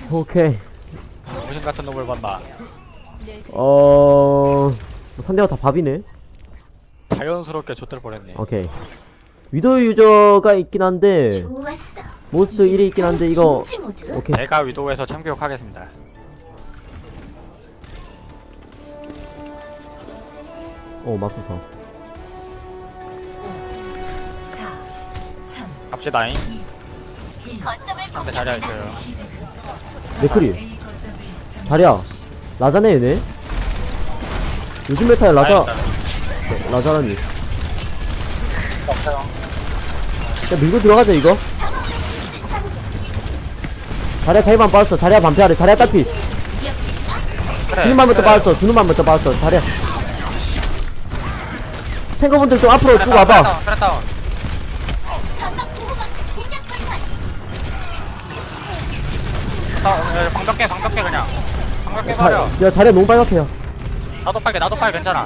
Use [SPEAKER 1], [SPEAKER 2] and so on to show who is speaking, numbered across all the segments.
[SPEAKER 1] 오케이.
[SPEAKER 2] 무슨 같은 놈을 봤나.
[SPEAKER 1] 상대가 다 밥이네.
[SPEAKER 2] 자연스럽게 좆될 뻔했네.
[SPEAKER 1] 오케이. 위도 유저가 있긴 한데 모스트 1이 있긴 한데 이거 오케이.
[SPEAKER 2] 제가 위도에서 참교육하겠습니다.
[SPEAKER 1] 맙소사.
[SPEAKER 2] 갑시다잉. 상대 자리야 있어요.
[SPEAKER 1] 맥크리 자리야 라자네 얘네. 요즘 메타에 라자라니. 야 밀고 들어가자 이거. 자리야 자리만 빠졌어. 자리야 반피하래. 자리야 딸피. 주는 맘부터 빠졌어. 주는 맘부터 빠졌어. 자리야 탱커분들 좀 앞으로 쭉 와봐.
[SPEAKER 2] 방벽해 그냥. 방벽해 버려.
[SPEAKER 1] 야 자리야 너무 빨갛게요.
[SPEAKER 2] 나도 빨개 괜찮아.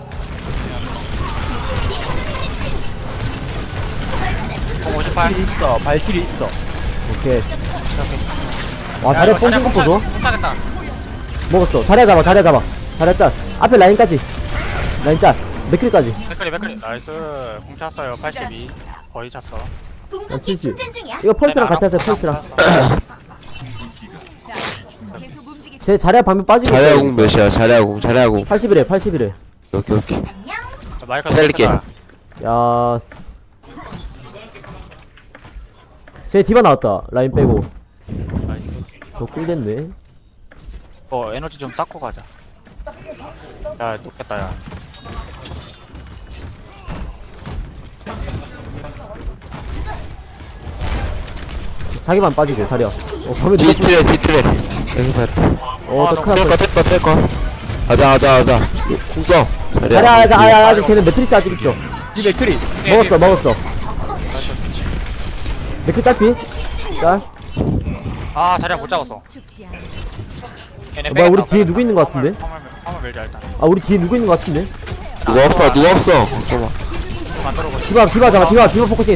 [SPEAKER 2] 공 58.
[SPEAKER 3] 있어. 발길이 있어.
[SPEAKER 1] 오케이. 와 자리야 뽕신 거 보소.
[SPEAKER 2] 못하겠다.
[SPEAKER 1] 먹었어. 자리야 잡아. 자리야 짜. 앞에 라인까지. 라인 짜. 맥클까지.
[SPEAKER 2] 맥클리 나이스. 공 찼어요. 82 거의 찼어.
[SPEAKER 1] 야 70. 이거 펄스랑 같이 하세요. 펄스랑. 제 자리야 방면 빠지고.
[SPEAKER 4] 자리아궁 몇이야? 자리아궁
[SPEAKER 1] 81에.
[SPEAKER 4] 오케이.
[SPEAKER 2] 마이크
[SPEAKER 4] 기다릴게.
[SPEAKER 1] 야. 제 디바 나왔다. 라인 빼고. 더 꿀됐네.
[SPEAKER 2] 에너지 좀 닦고 가자. 야 높겠다 야.
[SPEAKER 1] 자기만 빠지고 자리야. 방면
[SPEAKER 4] 뒤틀에 여기 봤다.
[SPEAKER 1] 더 큰일 났어.
[SPEAKER 4] 텔거 가자 궁써.
[SPEAKER 1] 자리야 아직 걔는 매트리스 아직 있어.
[SPEAKER 3] 이 맥크리.
[SPEAKER 1] 먹었어. 매트 딸피. 짤.
[SPEAKER 2] 아 자리야 못 잡았어.
[SPEAKER 1] 뭐야 우리 뒤에 누구 있는 거 같은데?
[SPEAKER 2] 한번 밀자 일단.
[SPEAKER 1] 아 우리 뒤에 누구 있는 거 같은데?
[SPEAKER 4] 누가 없어. 잠깐만.
[SPEAKER 1] 디바 잡아. 디바 포커싱해.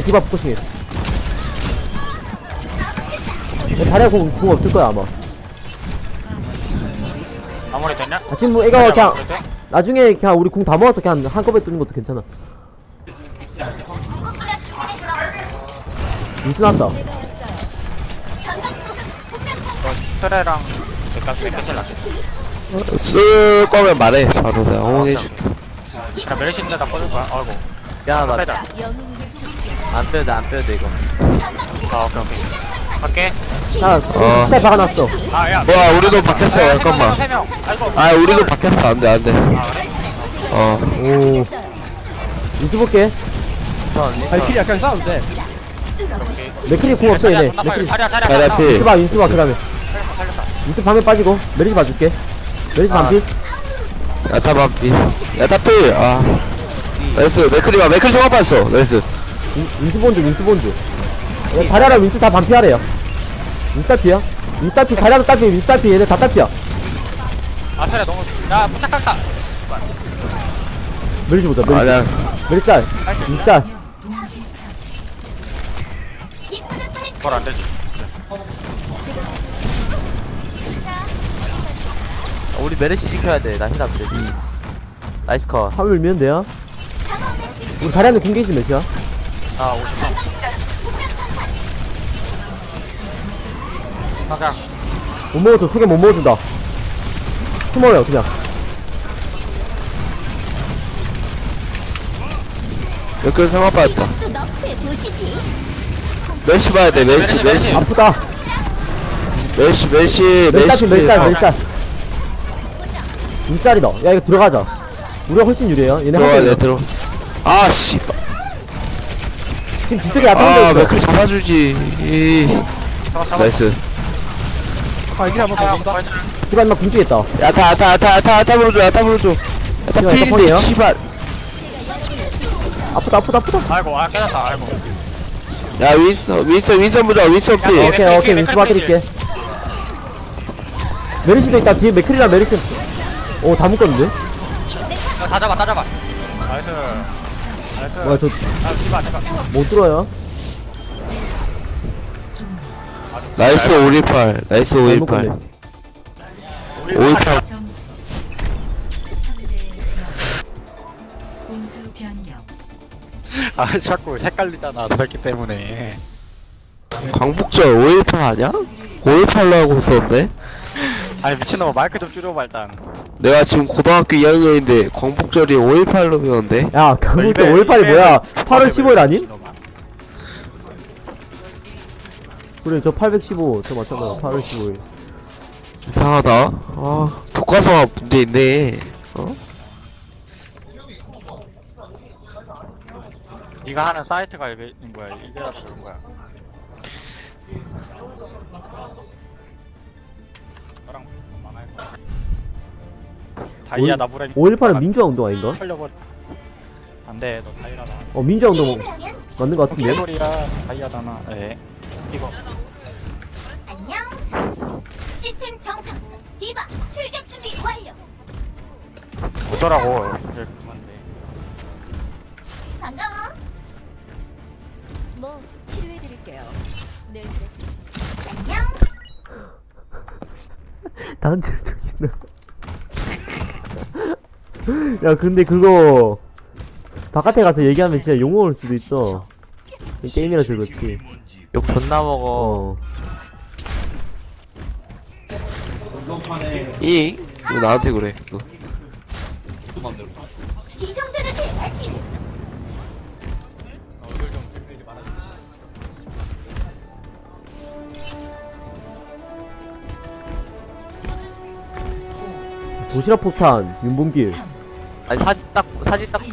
[SPEAKER 1] 야, 자리야 공 없을 거야 아마.
[SPEAKER 2] 마무리 됐냐?
[SPEAKER 1] 지금 뭐 이거 그냥 나중에 그냥 우리 궁 다 모아서 그냥 한꺼번에 뜨는 것도 괜찮아. 미스 났다.
[SPEAKER 2] 트레랑 맥까지 낫겠지.
[SPEAKER 4] 쓸 거면 말해. 바로 내가 호응해줄게.
[SPEAKER 2] 그냥 멜신데다 뻗을 거야. 아이고.
[SPEAKER 3] 야, 나
[SPEAKER 2] 빼자.
[SPEAKER 3] 안 빼도 돼 이거.
[SPEAKER 2] 오케이. 갈게.
[SPEAKER 1] 자, 스타일 박아놨어.
[SPEAKER 2] 야.
[SPEAKER 4] 와, 우리도 박혔어. 잠깐만.
[SPEAKER 2] 3명. 아이고.
[SPEAKER 4] 아, 우리도 박혔어. 안 돼.
[SPEAKER 2] 아 그래?
[SPEAKER 1] 오. 미스 볼게.
[SPEAKER 3] 발길이 약간 싸우면 돼.
[SPEAKER 1] 맥크리 궁 없어 얘네. 맥크리.
[SPEAKER 4] 자리야 피.
[SPEAKER 1] 윈스 봐 그다음에. 윈스 방에 빠지고 메리지 봐줄게. 메리지 반피.
[SPEAKER 4] 야타 피. 아. 나이스. 맥크리 정확 봤어. 나이스.
[SPEAKER 1] 윈스 본드. 자리아랑 윈스 다 반피하래요. 윈스 딸피야. 윈스 딸피 자리아도 딸피 윈스 딸피 얘네 다 딸피야.
[SPEAKER 2] 아 트레 너무. 야 부착할까?
[SPEAKER 1] 메리지 보자.
[SPEAKER 4] 아니야.
[SPEAKER 1] 메리지 짤. 윈스 짤.
[SPEAKER 2] 그걸 안 되지.
[SPEAKER 3] 우리 메르시 지켜야 돼. 나 힐 안 돼. 나이스 컷.
[SPEAKER 1] 화물 밀면 돼요. 우리 자리아는 공개지 몇이야?
[SPEAKER 2] 아 50명. 가자.
[SPEAKER 1] 못 먹어줘. 소개 못 먹어준다. 숨어요 그냥.
[SPEAKER 4] 맥크리 정확 봤다. 멜시 봐야 돼. 멜시.
[SPEAKER 1] 아프다.
[SPEAKER 4] 멜시.
[SPEAKER 1] 멜짤. 윈쌀이다. 야 이거 들어가자. 우리가 훨씬 유리해요. 얘네 하고
[SPEAKER 4] 들어. 아, 씨.
[SPEAKER 1] 지금 뒤쪽에 앞에
[SPEAKER 4] 아,
[SPEAKER 1] 있어.
[SPEAKER 4] 맥크리 잡아주지.
[SPEAKER 2] 잡아.
[SPEAKER 4] 나이스.
[SPEAKER 3] 발길이 한번 더 본다.
[SPEAKER 1] 디바 인마 궁지겠다.
[SPEAKER 4] 야타 물어줘. 야타
[SPEAKER 1] 이거
[SPEAKER 4] 필인데,
[SPEAKER 1] 폰이에요?
[SPEAKER 4] 씨발.
[SPEAKER 1] 아프다.
[SPEAKER 2] 아이고 깨졌다. 아이고.
[SPEAKER 4] 야, 윈선 보자. 윈선 필.
[SPEAKER 1] 오케이 윈스 봐드릴게. 메리시도 있다. 뒤에 맥크리랑 메리시. 오 다 묶었는데?
[SPEAKER 2] 다 잡아. 나이스.
[SPEAKER 1] 뭐야 저
[SPEAKER 2] 아, 디바.
[SPEAKER 1] 못 들어요.
[SPEAKER 4] 나이스 518 나이스
[SPEAKER 1] 잘못
[SPEAKER 4] 518
[SPEAKER 1] 갔네.
[SPEAKER 4] 518
[SPEAKER 5] 점수 3대 공수 변경.
[SPEAKER 2] 아 자꾸 헷갈리잖아 저 새끼 때문에.
[SPEAKER 4] 광복절 518 아냐? 518로 하고 있었는데
[SPEAKER 2] 아니 미친놈아 마이크 좀 줄여봐 일단.
[SPEAKER 4] 내가 지금 고등학교 2학년인데 광복절이 518로 배웠는데
[SPEAKER 1] 야 강북대 518이 뭐야 8월 15일 아님? 그래 저 815 저 맞잖아 8월 15일
[SPEAKER 4] 이상하다 아 교과서가 문제 있네 어?
[SPEAKER 2] 네가 하는 사이트가 이게 뭐야 이래라서 그런 거야. 너랑 만화할 거야. 다이아 나무라.
[SPEAKER 1] 518은 민주화 운동 아닌가?
[SPEAKER 2] 털려버. 안돼 너 다이아다.
[SPEAKER 1] 민주화 운동 맞는 거 같은데?
[SPEAKER 2] 개소리야 다이아잖아. 에 이거.
[SPEAKER 6] 안녕. 시스템 정상. 디바 출격 준비 완료.
[SPEAKER 2] 뭐더라고. 이제 그만돼.
[SPEAKER 6] 반가워.
[SPEAKER 5] 뭐 치료해드릴게요. 내일
[SPEAKER 6] 안녕.
[SPEAKER 1] 단체 정신나 야 근데 그거 바깥에 가서 얘기하면 진짜 욕먹을 수도 있어 게임이라서 그렇지
[SPEAKER 3] 욕 존나 먹어.
[SPEAKER 4] 이? 왜 나한테 그래 너.
[SPEAKER 6] 이 정도는 돼야지.
[SPEAKER 2] 얼굴 좀 들리지 말아줘.
[SPEAKER 1] 도시락 포탄 윤봉길
[SPEAKER 3] 아니 사진 딱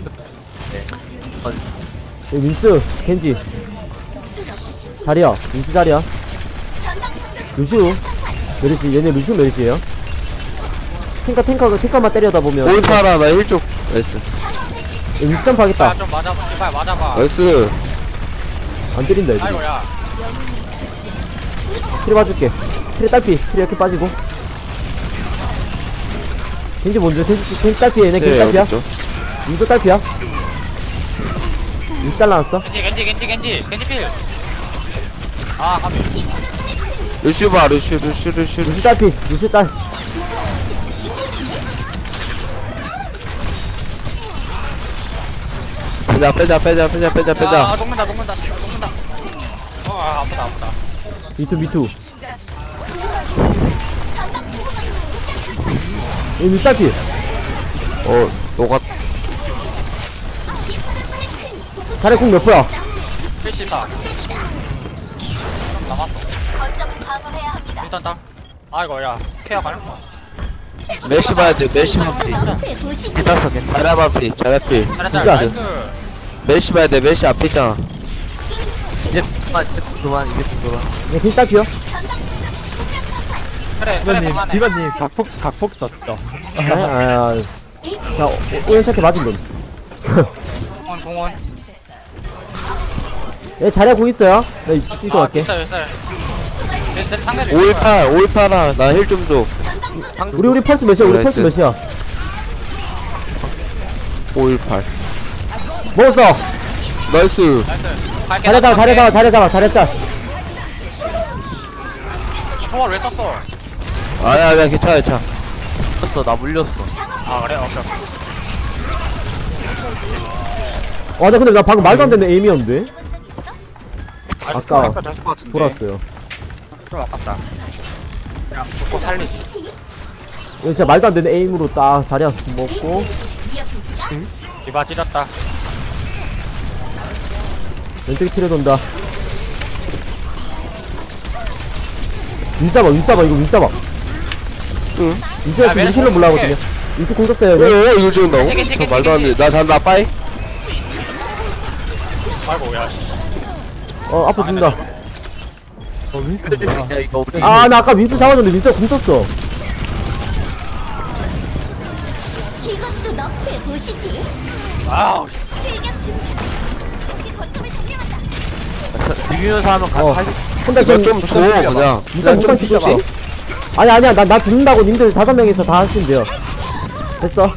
[SPEAKER 1] 윈스 켄지 자리야 윈스 자리야 루시우 메르시 얘네 루시우 메르시에요 탱커만 때려다 보면
[SPEAKER 4] 518아 나 1쪽 나이스
[SPEAKER 1] 윈스 점프 하겠다
[SPEAKER 2] 야좀 맞아봐 제발 맞아봐.
[SPEAKER 4] 나이스
[SPEAKER 1] 안 때린다 애들
[SPEAKER 2] 아이고야.
[SPEAKER 1] 트레 봐줄게 트레 딸피 트레 이렇게 빠지고 켄지 먼저 켄지 딸피 얘네 켄지
[SPEAKER 4] 네
[SPEAKER 1] 딸피야
[SPEAKER 4] 어딨죠?
[SPEAKER 1] 윈스 딸피야 윈스 잘라놨어
[SPEAKER 2] 겐지 필. 아 가비.
[SPEAKER 4] 루슈 봐 루슈
[SPEAKER 1] 루시 딸피 루시 딸
[SPEAKER 4] 빼자
[SPEAKER 2] 아 녹는다. 아프다.
[SPEAKER 1] 미투 이 윈스 딸피
[SPEAKER 4] 너가
[SPEAKER 1] 자리 공몇 프야
[SPEAKER 2] 필시다. 남았어.
[SPEAKER 6] 거점 방어해야 합니다.
[SPEAKER 2] 일단 딱. 아이고 야 케어 가능?
[SPEAKER 4] 메시 봐야 돼 메시 반피
[SPEAKER 6] 앞에 보시지.
[SPEAKER 3] 기다렸어 괜찮아.
[SPEAKER 4] 자라 반피 자라피
[SPEAKER 2] 잘했다.
[SPEAKER 1] 진짜.
[SPEAKER 2] 나이스.
[SPEAKER 4] 메시 봐야 돼 메시 앞에 있잖아
[SPEAKER 3] 이제 그만 이제 그만.
[SPEAKER 1] 얘 켄지 딸피야
[SPEAKER 2] 그래 그만해.
[SPEAKER 7] 디바님 각폭 썼죠.
[SPEAKER 1] 자 오연차한테 맞은 건
[SPEAKER 2] 공원.
[SPEAKER 1] 얘 자리야 공 있어요? 나 찍어 갈게
[SPEAKER 2] 있어요. 내 상대를
[SPEAKER 4] 518아 나 힐 좀줘
[SPEAKER 1] 우리 펄스 몇이야 우리 펄스
[SPEAKER 4] 나이스.
[SPEAKER 1] 몇이야
[SPEAKER 4] 518
[SPEAKER 1] 먹었어
[SPEAKER 4] 나이스
[SPEAKER 1] 잘했다
[SPEAKER 2] 총알 왜 썼어?
[SPEAKER 4] 아니야 괜찮아
[SPEAKER 3] 물렸어 나 물렸어.
[SPEAKER 2] 아 그래? 오케이.
[SPEAKER 1] 나 근데 나 방금 말도 안 되는 에임이었는데 아까
[SPEAKER 2] 됐을 것 같은데.
[SPEAKER 1] 돌았어요
[SPEAKER 2] 좀 아깝다. 그냥 죽고 살리지.
[SPEAKER 1] 이거 진짜 말도 안 되는 에임으로 딱 자리야 먹고
[SPEAKER 2] 디바 찢었다.
[SPEAKER 1] 왼쪽에 티를 돈다 윈싸봐 이거 윈싸봐
[SPEAKER 4] 응.
[SPEAKER 1] 윈스가
[SPEAKER 2] 야,
[SPEAKER 1] 지금
[SPEAKER 2] 메르시
[SPEAKER 1] 힐러 몰라거든요 윈스 공 썼어요
[SPEAKER 4] 오 이걸 지운다고?
[SPEAKER 2] 겐지,
[SPEAKER 4] 저 말도 안돼 나 잔다 빠이
[SPEAKER 2] 아이고 야.
[SPEAKER 1] 앞에 죽는다
[SPEAKER 3] 야 이거 우리
[SPEAKER 1] 나 아까 윈스 잡아줬는데 윈스가 공 썼어
[SPEAKER 6] 이것도 너프에 보시지.
[SPEAKER 2] 아우.
[SPEAKER 6] 출격 준비. 우리 거점을 점령한다.
[SPEAKER 3] 비비면서 하면 가.
[SPEAKER 1] 혼자
[SPEAKER 4] 이거 좀줘 그냥
[SPEAKER 1] 무슨
[SPEAKER 4] 좀
[SPEAKER 1] 진짜
[SPEAKER 4] 주지
[SPEAKER 1] 아니야 나 죽는다고 님들 5명이서 다 하시면 돼요 됐어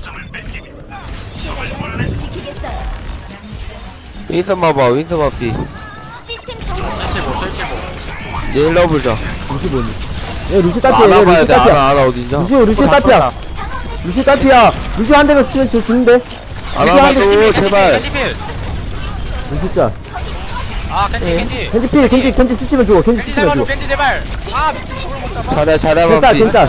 [SPEAKER 6] 지키겠어요.
[SPEAKER 4] 윈선 봐봐 윈선 반피
[SPEAKER 6] 시스템 정상.
[SPEAKER 2] 75.
[SPEAKER 4] 얘 일러 보자.
[SPEAKER 1] 루시 뭐니? 얘 루시 딸피야. 얘
[SPEAKER 4] 안아 봐야
[SPEAKER 1] 루시
[SPEAKER 4] 돼.
[SPEAKER 1] 딸피야.
[SPEAKER 4] 안아 어디냐?
[SPEAKER 1] 루시 딸피야. 루시 딸피야. 루시 한 대만 쓰면 죽는데.
[SPEAKER 4] 안아 봐줘 제발.
[SPEAKER 2] 겐지 필.
[SPEAKER 1] 루시 짜.
[SPEAKER 2] 아 겐지.
[SPEAKER 1] 켄지 필. 켄지 스치면 죽어. 켄지
[SPEAKER 2] 겐지
[SPEAKER 1] 스치면
[SPEAKER 2] 제발
[SPEAKER 1] 죽어.
[SPEAKER 2] 겐지 제발. 아 미친 이걸 못 잡아.
[SPEAKER 4] 잘해
[SPEAKER 1] 켄짜
[SPEAKER 4] 반피.
[SPEAKER 1] 켄짜.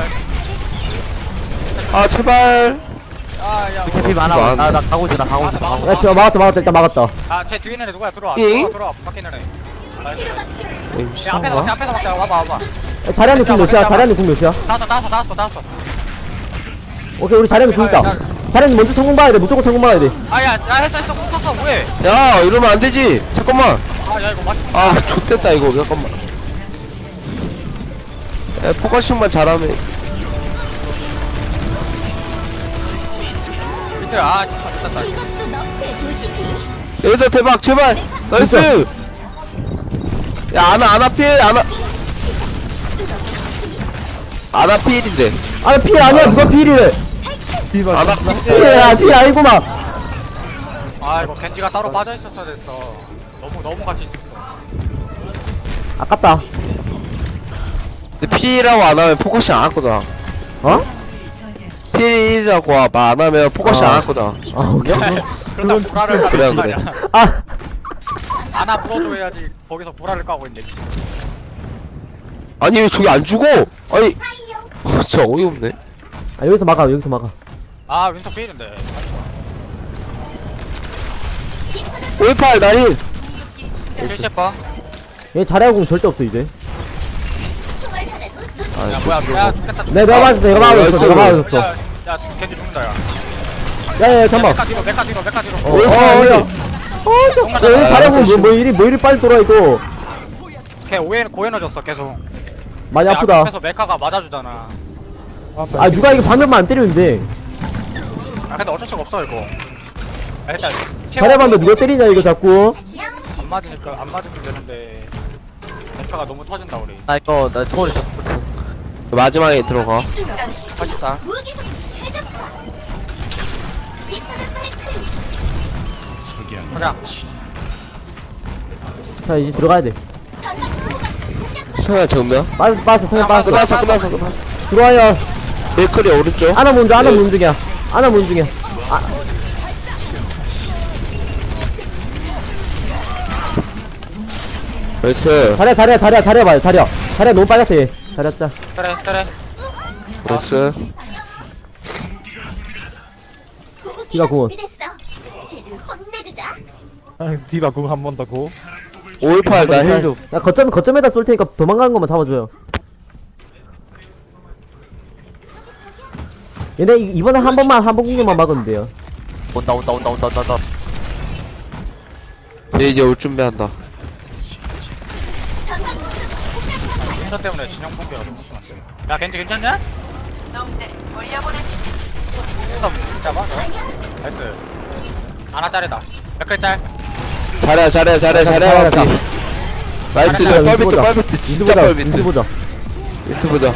[SPEAKER 4] 아 제발.
[SPEAKER 2] 아야.
[SPEAKER 3] 피 많아.
[SPEAKER 4] 많아.
[SPEAKER 3] 나 가고 있어. 나 가고 있어. 가고 있어.
[SPEAKER 1] 야, 저 막았다. 일단 막았다.
[SPEAKER 2] 아쟤 뒤에 있는 애 누구야? 들어와.
[SPEAKER 4] 잉?
[SPEAKER 2] 들어와. 밖에 있는 애. 나이스.
[SPEAKER 4] 에이
[SPEAKER 2] 야 앞에서 막자.
[SPEAKER 4] 미친가?
[SPEAKER 2] 앞에서 막자. 와봐.
[SPEAKER 1] 야, 자리안이 궁 몇이야? 자리안이 궁 몇이야?
[SPEAKER 2] 나왔어.
[SPEAKER 1] 오케이, 우리 자리안이 궁 있다. 자리안이 먼저 성공 봐야 돼. 무조건 성공 봐야 돼.
[SPEAKER 2] 아야 했어. 콩 뭐해?
[SPEAKER 4] 야 이러면 안 되지. 잠깐만.
[SPEAKER 2] 아야 이거 맞.
[SPEAKER 4] 아 좆됐다 이거. 잠깐만. 야 포커싱만 잘하면.
[SPEAKER 2] 밑에 아 진짜 못했다.
[SPEAKER 6] 이것도 너프의 도시지.
[SPEAKER 4] 여기서 대박 제발. 나이스. 야 아나 필 아나 필인데.
[SPEAKER 1] 아, 필 아니야. 누가 필이래.
[SPEAKER 4] 아나 필.
[SPEAKER 1] 야, 필 아니구만.
[SPEAKER 2] 아 이거 겐지가 따로 빠져 있었어야 됐어. 너무 같이 있었어.
[SPEAKER 1] 아깝다.
[SPEAKER 4] 근데 필이라고 안 하면 포커싱 안 하거든.
[SPEAKER 1] 어?
[SPEAKER 4] 필이라고 말 안 하면 포커싱 안 하거든.
[SPEAKER 1] 아, 오케이.
[SPEAKER 2] 그러다 불화를
[SPEAKER 4] 그래,
[SPEAKER 2] 하는 거
[SPEAKER 4] 그래.
[SPEAKER 2] 아니야.
[SPEAKER 1] 아,
[SPEAKER 2] 아나 불어줘 해야지. 거기서 불화를 까고 있네. 미친.
[SPEAKER 4] 아니 왜 저기 안 죽어? 아니 진짜 어이없네.
[SPEAKER 1] 아, 여기서 막아.
[SPEAKER 2] 아 윈터 필인데.
[SPEAKER 4] 518 나힐.
[SPEAKER 2] 필셰퍼.
[SPEAKER 1] 얘 자리안 궁 절대 없어, 이제.
[SPEAKER 6] 총알 하나 놓.
[SPEAKER 2] 야 뭐야 야 죽겠다.
[SPEAKER 1] 내가 맞았어.
[SPEAKER 4] 나이스.
[SPEAKER 2] 야 겐지 죽는다 야.
[SPEAKER 1] 야, 잠깐만.
[SPEAKER 2] 메카 뒤로.
[SPEAKER 1] 야. 얘 자리안 궁 뭐 이리 빨리 돌아, 이거.
[SPEAKER 2] 걔 고에너졌어 계속.
[SPEAKER 1] 많이
[SPEAKER 2] 야,
[SPEAKER 1] 아프다.
[SPEAKER 2] 앞에서 메카가 맞아주잖아.
[SPEAKER 1] 아, 누가 이거 방면만 안 때리는데.
[SPEAKER 2] 아 근데 어쩔 수가 없어 이거. 아, 일단
[SPEAKER 1] 자리안도 누가 때리냐, 이거 자꾸.
[SPEAKER 2] 안 맞으니까 안 맞으면 되는데 메카가 너무 터진다 우리.
[SPEAKER 3] 나 이거 나 초월이 있어.
[SPEAKER 4] 마지막에 들어가.
[SPEAKER 2] 84.
[SPEAKER 6] 무기상 최적화. 빅토르 프랭클.
[SPEAKER 2] 가자.
[SPEAKER 1] 자, 이제 들어가야 돼.
[SPEAKER 4] 성현 정면.
[SPEAKER 1] 빠졌어. 성현 빠졌어.
[SPEAKER 4] 끝났어.
[SPEAKER 1] 들어와요.
[SPEAKER 4] 밀크리 오른쪽.
[SPEAKER 1] 아나 문중,
[SPEAKER 4] 네.
[SPEAKER 1] 문중이야. 아나 문중이야.
[SPEAKER 4] 나이스.
[SPEAKER 1] 자리야 봐요. 자리야 너무 빨갛다, 얘. 자리야 짜.
[SPEAKER 2] 그래.
[SPEAKER 4] 나이스.
[SPEAKER 1] 디바 구원.
[SPEAKER 6] 준비됐어. 쟤를 혼내주자.
[SPEAKER 7] 디바 궁 한 번 더 고.
[SPEAKER 4] 518 나 힐 좀.
[SPEAKER 1] 야, 거점에다 쏠 테니까 도망가는 것만 잡아줘요. 얘네 이번에 한 번 공격만 막으면 돼요.
[SPEAKER 3] 온다.
[SPEAKER 4] 얘 이제 올 준비한다.
[SPEAKER 2] 윈터 때문에 진영 붕괴가 너무 심한데. 야 겐지 괜찮냐? 윈터 잡아 너. 나이스. 아나 짤이다. 몇개 짤?
[SPEAKER 4] 잘해
[SPEAKER 1] 잘해.
[SPEAKER 4] 반피. 나이스.
[SPEAKER 1] 잘해,
[SPEAKER 4] 뻘비트 진짜 뻘비트.
[SPEAKER 1] 민수 보자.
[SPEAKER 4] 미스 보자.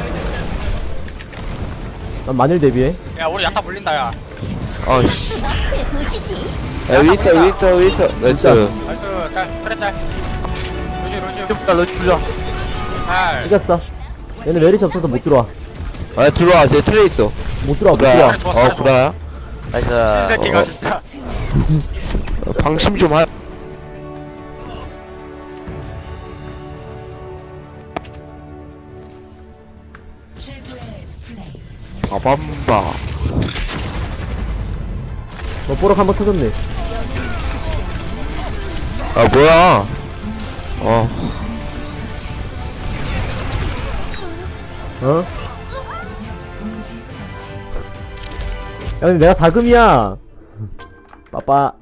[SPEAKER 1] 난 마늘 대비해.
[SPEAKER 2] 야 우리 야타 물린다 야.
[SPEAKER 4] 아씨.
[SPEAKER 6] 너프의 도시지.
[SPEAKER 4] 야 윈서. 나이스.
[SPEAKER 2] 나이스 짤. 그래 짤. 루시.
[SPEAKER 3] 부자.
[SPEAKER 2] 짤.
[SPEAKER 1] 이겼어. 얘네 메리시 없어서 못 들어와.
[SPEAKER 4] 아 들어와. 쟤 트레 있어.
[SPEAKER 1] 못 들어와.
[SPEAKER 4] 구라야. 구라야.
[SPEAKER 3] 나이스.
[SPEAKER 2] 새끼가 진짜.
[SPEAKER 4] 방심 좀 하. 바밤바.
[SPEAKER 1] 뽀록 한번 터졌네.
[SPEAKER 4] 아 뭐야?
[SPEAKER 1] 어? 야, 근데 내가 4금이야. 빠빠.